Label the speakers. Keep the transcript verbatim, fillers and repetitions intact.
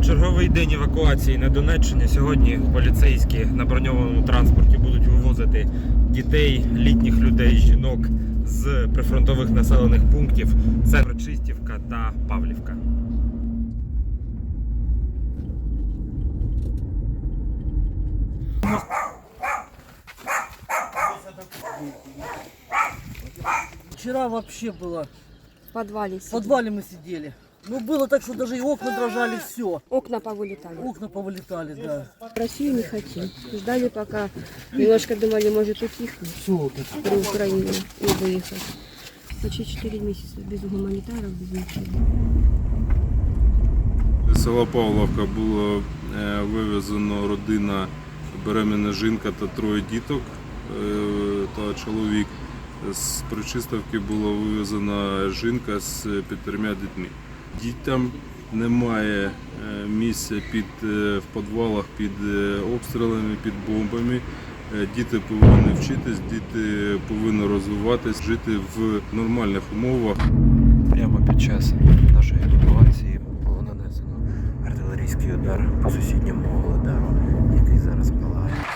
Speaker 1: Черговий день евакуації на Донеччині. Сьогодні поліцейські на броньованому транспорті будуть вивозити дітей, літніх людей, жінок з прифронтових населених пунктів. Це Прочистівка та Павлівка.
Speaker 2: Вчера вообще было.
Speaker 3: В подвале
Speaker 2: В
Speaker 3: сидели.
Speaker 2: подвале мы сидели. Ну было так, что даже и окна дрожали, все.
Speaker 3: Окна повылетали.
Speaker 2: Окна повылетали, да.
Speaker 3: В Россию не хотим. Ждали, пока немножко думали, может утихнет
Speaker 2: Все,
Speaker 3: при Украине и выехать. Почти четыре месяца без гуманитаров, без ничего.
Speaker 4: З села Павловка було е, вивезено родина, беременна жінка та троє діток е, та чоловік. З Причистівки була вивезена жінка з п'ятьма дітьми. Дітям немає е, місця під, е, в підвалах під е, обстрілами, під бомбами. Е, Діти повинні вчитись, діти повинні розвиватись, жити в нормальних умовах.
Speaker 1: Прямо під час нашої евакуації було нанесено артилерійський удар по сусідньому Володару, який зараз палає.